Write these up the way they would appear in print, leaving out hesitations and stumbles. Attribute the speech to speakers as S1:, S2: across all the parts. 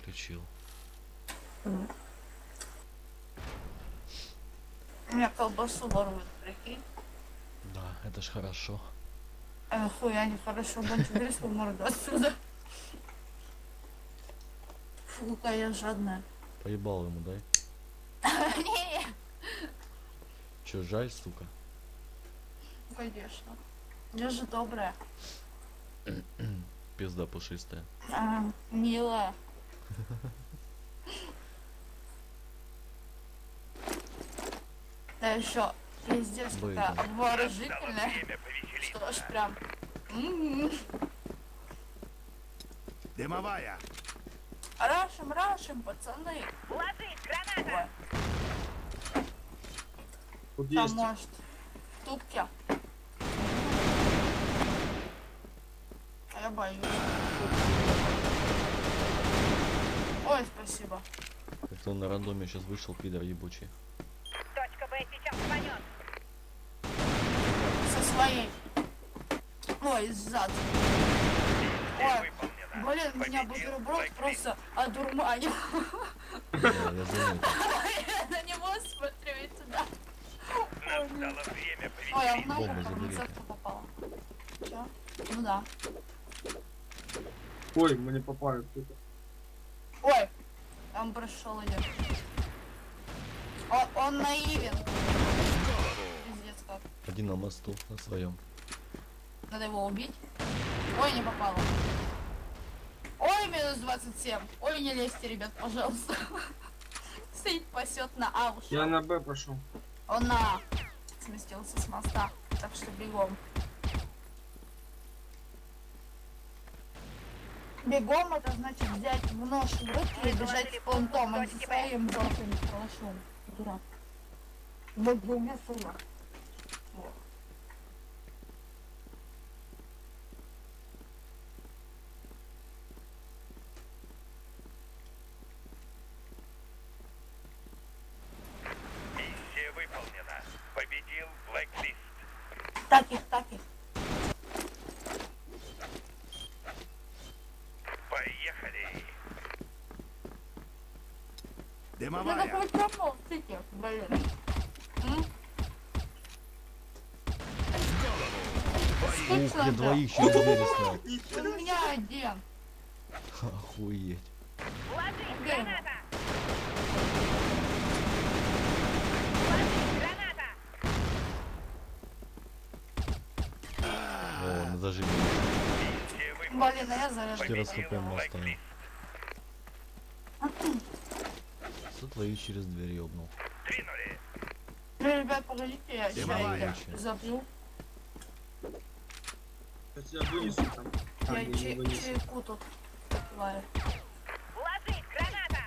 S1: включил.
S2: Меня колбасу воруют, прикинь.
S1: Да, это ж хорошо.
S2: Хуя нехорошо, Бончик, убери свою морду отсюда. Фу, какая я жадная.
S1: Поебал ему, дай.
S2: Не,
S1: Че, жаль, сука?
S2: конечно. Я же добрая.
S1: Пизда пушистая.
S2: Милая. Да еще пиздец какая
S1: Выйдем.
S2: обворожительная. Что ж прям.
S3: Дымовая.
S2: Рашим, пацаны.
S4: Ложись, граната!
S2: Ой,
S5: Тут
S2: там
S5: есть.
S2: может в тупке. А я боюсь. Ой, спасибо.
S1: Как-то он на рандоме сейчас вышел, пидор ебучий.
S4: Точка Б сейчас рванет.
S2: Со своей. Ой, сзади. Ой, блин, меня бутерброд просто одурманил.
S1: Я заметил.
S2: Я на него смотрю и туда.
S4: Настало время
S2: Ой, а в
S1: Бомбу
S2: ногу
S1: забери.
S2: фармацевтка попала. Чё? Ну да.
S5: Ой, мы не попали.
S2: Ой, там прошел идет. Он наивен. Пиздец как.
S1: Один на мосту, на своем.
S2: Надо его убить. Ой, не попало. Ой, минус 27. Ой, не лезьте, ребят, пожалуйста. Стоит, пасет на А ушел.
S5: Я на Б пошел.
S2: Он на А сместился с моста. Так что бегом. Бегом это значит взять в нож в руки и бежать с понтом, а не со своим желтым калашом. Дурак. Бегом я сама. Вот.
S4: Миссия выполнена. Победил Блэклист.
S2: Так их.
S4: Поехали.
S2: Надо
S3: Дымовая.
S2: хоть попал, стики, блин. М?
S1: Ух,
S2: Скучно
S1: я
S2: же.
S1: двоих через двери снял.
S2: У меня один.
S1: Охуеть.
S4: Ложись,
S2: Где его?
S4: граната! Ложись, граната!
S1: О, мы зажили.
S4: Миссия выполнена.
S2: Блин, а я заряжу.
S1: 4 хп мы оставим. Что твоих через дверь ёбнул?
S4: Двинули.
S2: Ребят, погодите, я
S3: Дымовая.
S2: чай забью.
S5: Я тебя вынесу там. А,
S2: Я
S5: не вынесу.
S2: чайку тут попиваю.
S4: Ложись, граната!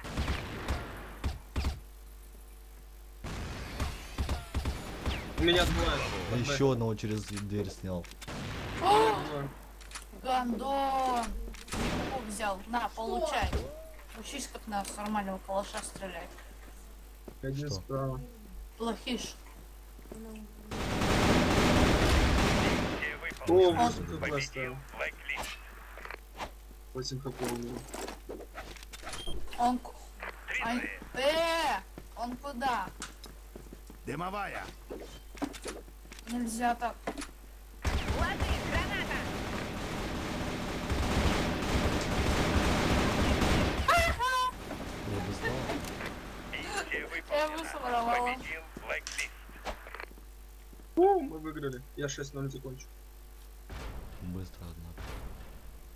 S5: У меня двое.
S1: А еще одного через дверь снял.
S5: Двое.
S2: Гандон! Чайку взял. На, получай. Учись, как на с нормального калаша стрелять.
S5: Один
S1: Что?
S5: справа.
S2: Плохиш.
S4: Миссия
S5: О,
S4: выполнена.
S5: 8 хп
S4: Победил
S5: оставил.
S4: Блэклист.
S5: 8 хп у него.
S2: Он... Ай,
S4: Двинули.
S2: он куда?
S3: Дымовая.
S2: Нельзя так.
S4: Ложись, граната!
S1: Я бы знал.
S4: Миссия
S2: Я
S4: выполнена.
S2: высоровала.
S4: Победил Блэклист.
S5: О, мы выиграли. Я 6-0 закончу.
S1: Быстро, однако.